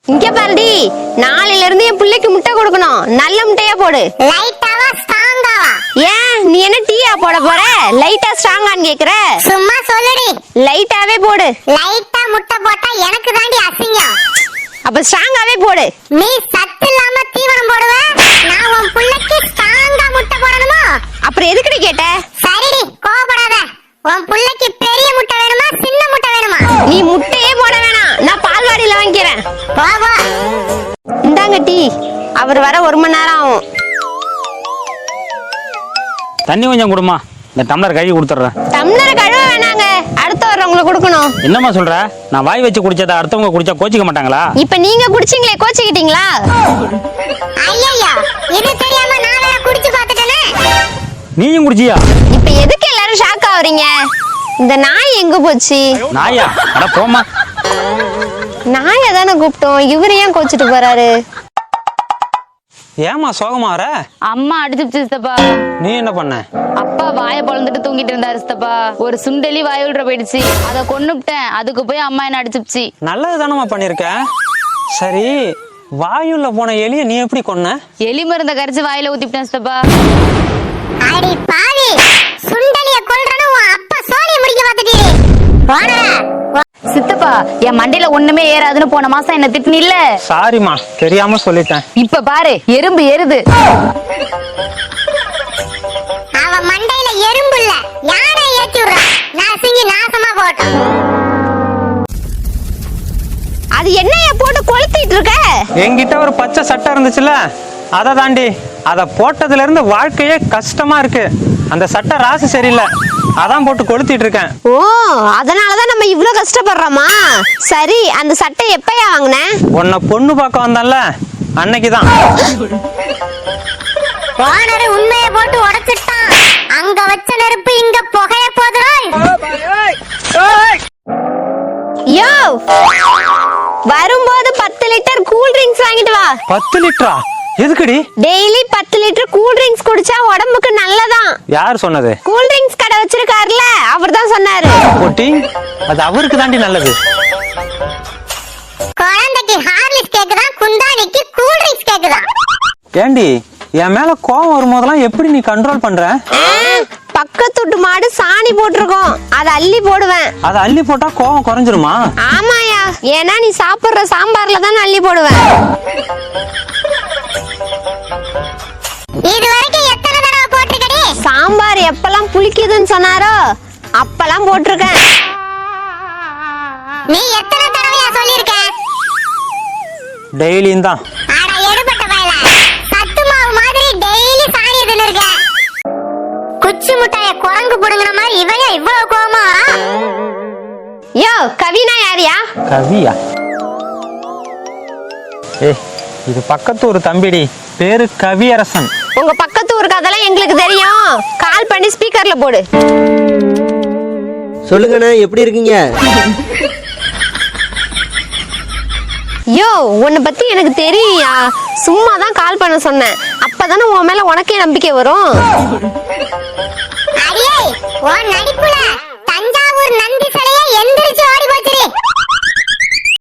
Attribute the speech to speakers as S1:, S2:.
S1: இங்க பாருடி, நாளையில இருந்து என் பிள்ளைக்கு முட்டை கொடுக்கணும். நல்ல முட்டையா போடு.
S2: லைட்டாவா ஸ்ட்ராங்காவா?
S1: ஏன் நீ என்ன டீயா போட போற? லைட்டா ஸ்ட்ராங்கான்னு கேக்குற?
S2: சும்மா சொல்லுடி.
S1: லைட்டாவே போடு.
S2: லைட்டா முட்டை போட்டா எனக்கு தாண்டி அசிங்கம்.
S1: அப்ப ஸ்ட்ராங்காவே போடு.
S2: நீ சத்து இல்லாம தீவனம் போடுவ, நான் உன் புள்ளைக்கு ஸ்ட்ராங்கா முட்டை போடணுமா?
S1: அப்புறம் எதுக்குடி கேட்ட?
S2: சரிடி, கோவப்படாத. உன் புள்ளைக்கு பெரிய முட்டை வேணுமா சின்ன முட்டை வேணுமா?
S1: நீ முட்டையே போட வேணாம், நான் பால்வாடியில வாங்கிக்கிறேன்.
S2: வா வா.
S1: இந்தாங்க டீ. அவர் வர 1 மணி நேரம் ஆகும்.
S3: தண்ணி கொஞ்சம் கொடுமா, இந்த டம்ளர் கழுவி கொடுத்துட்றேன்.
S1: டம்ளரை கழுவ வேணாங்க, அடுத்த வர்றவங்களுக்கு கொடுக்கணும்.
S3: என்னம்மா சொல்ற? நான் வாய் வச்சு குடிச்சதை அடுத்தவங்க குடிச்சா கோச்சிக்க மாட்டாங்களா?
S1: இப்ப நீங்க குடிச்சீங்களே, கோச்சிக்கிட்டீங்களா?
S2: ஐயையோ, இது தெரியாம நான் வேற குடிச்சு பார்த்துட்டேனே.
S3: நீயும் குடிச்சியா?
S1: இப்ப எதுக்கு எல்லாரும் ஷாக் ஆவறீங்க? இந்த நாய் எங்க போச்சு?
S3: நாயா? அட போமா.
S1: நாயை தானே கூப்பிட்டோம், இவரு ஏன் கோச்சிட்டு போறாரு?
S3: ஏமா சோகமா வர?
S4: அம்மா அடிச்சுச்சு சித்தப்பா.
S3: நீ என்ன பண்ண?
S4: அப்பா வாயை பொழந்துட்டு தூங்கிட்டு இருந்தாரு சித்தப்பா. ஒரு சுண்டெலி வாய் உள்ள போயிடுச்சு, அதை கொன்னுப்ட்டேன். அதுக்கு போய் அம்மா என்ன அடிச்சுச்சு.
S3: நல்லது தானமா பண்ணிருக்க. சரி, வாயுள்ள போன எலிய நீ எப்படி கொன்ன?
S4: எலி மருந்த கரைச்சு வாயில ஊத்திட்டேன் சித்தப்பா.
S2: அடி பாவி, சுண்டலிய கொல்றனு உன் அப்பா சோனிய முடிக்க பார்த்துட்டீங்க. போடா.
S4: சித்தப்பா, என் மண்டையில ஒண்ணுமே ஏறாதுன்னு போன மாசம் என்ன திட்டுன இல்ல?
S3: சாரிமா, தெரியாம சொல்லிட்டேன்.
S4: இப்ப பாரு, எறும்பு ஏறுது.
S2: அவ மண்டையில எறும்பு இல்ல, யானை ஏத்தி விடுறா. நசுங்கி நாசமா போட்டோம்.
S1: அது என்னைய போட்டு கொளுத்திட்டு இருக்க?
S3: என்கிட்ட ஒரு பச்சை சட்டை இருந்துச்சுல, அதை தாண்டி. அதை போட்டதுல இருந்து வாழ்க்கையே கஷ்டமா இருக்கு. அந்த சட்டை ராசி சரியில்லை, அதான் போட்டு கொளுத்திட்டு இருக்கேன்.
S1: ஓ, அதனாலதான் நம்ம இவ்ளோ கஷ்டப்படுறோமா? சரி, அந்த சட்டை எப்பயா வாங்குன?
S3: உன்னை பொண்ணு பார்க்க வந்தான்ல, அன்னைக்குதான்.
S2: ஓனர் உண்மையை போட்டு உடைச்சிட்டான். அங்க வச்ச நெருப்பு இங்க புகைய போதுறாய்.
S1: யோ, வரும்போது 10 லிட்டர் கூல் ட்ரிங்க்ஸ் வாங்கிட்டு வா.
S3: 10 லிட்டரா? எதுக்குடி?
S1: டெய்லி 10 லிட்டர் கூல் ட்ரிங்க்ஸ் குடிச்சா உடம்புக்கு நல்லதான்.
S3: யார் சொன்னது?
S1: கூல் ட்ரிங்க்ஸ் கடை வச்சிருக்காருல, அவர்தான் சொன்னாரு.
S3: போட்டி, அது அவருக்கு தாண்டி நல்லது.
S2: குழந்தைக்கு ஹார்லிக்ஸ் கேக்குதா, குந்தாணிக்கு கூல் ட்ரிங்க்ஸ் கேக்குதா?
S3: ஏண்டி, என் மேல கோவம் வரும்போதெல்லாம் எப்படி நீ கண்ட்ரோல் பண்ற?
S1: பக்கத்து வீட்டு மாடு சாணி போட்டிருக்கோம், அதை அள்ளி போடுவேன்.
S3: அதை அள்ளி போட்டா கோவம் குறைஞ்சிருமா?
S1: ஆமாயா, ஏன்னா நீ சாப்பிடுற சாம்பார்ல தான் அள்ளி போடுவேன்.
S2: இது வரைக்கும் எத்தனை தடவை போட்டிருக்கடி?
S1: சாம்பார் எப்பெல்லாம் புளிக்குதுன்னு சொன்னாரோ அப்பெல்லாம் போட்டிருக்கேன்.
S2: நீ எத்தனை தடவையா சொல்லிருக்க?
S3: டெய்லியும் தான்.
S2: அட எடுபட்ட பயல, சத்து மாவு மாதிரி டெய்லி சாணி தின்னுருக்க. குச்சி முட்டைய குரங்கு புடுங்குற மாதிரி இவன் இவ்வளவு கோவமா?
S1: யோ, கவினா யாரியா?
S3: கவியா? இது பக்கத்து ஒரு தம்பிடி, பேரு கவியரசன்.
S1: உங்க பக்கத்து ஊருக்கு அதெல்லாம் எங்களுக்கு தெரியும். கால் பண்ணி ஸ்பீக்கர்ல போடு.
S5: சொல்லுங்கண்ணே, எப்படி இருக்கீங்க?
S1: யோ, உன்னை பத்தி எனக்கு தெரியும்யா. சும்மா தான் கால் பண்ண சொன்னேன். அப்பதானே உன் மேல உனக்கே நம்பிக்கை வரும்.
S2: அடியே, உன் நடிப்புல தஞ்சாவூர் நந்தி சிலையை எந்திரிச்சு ஓடி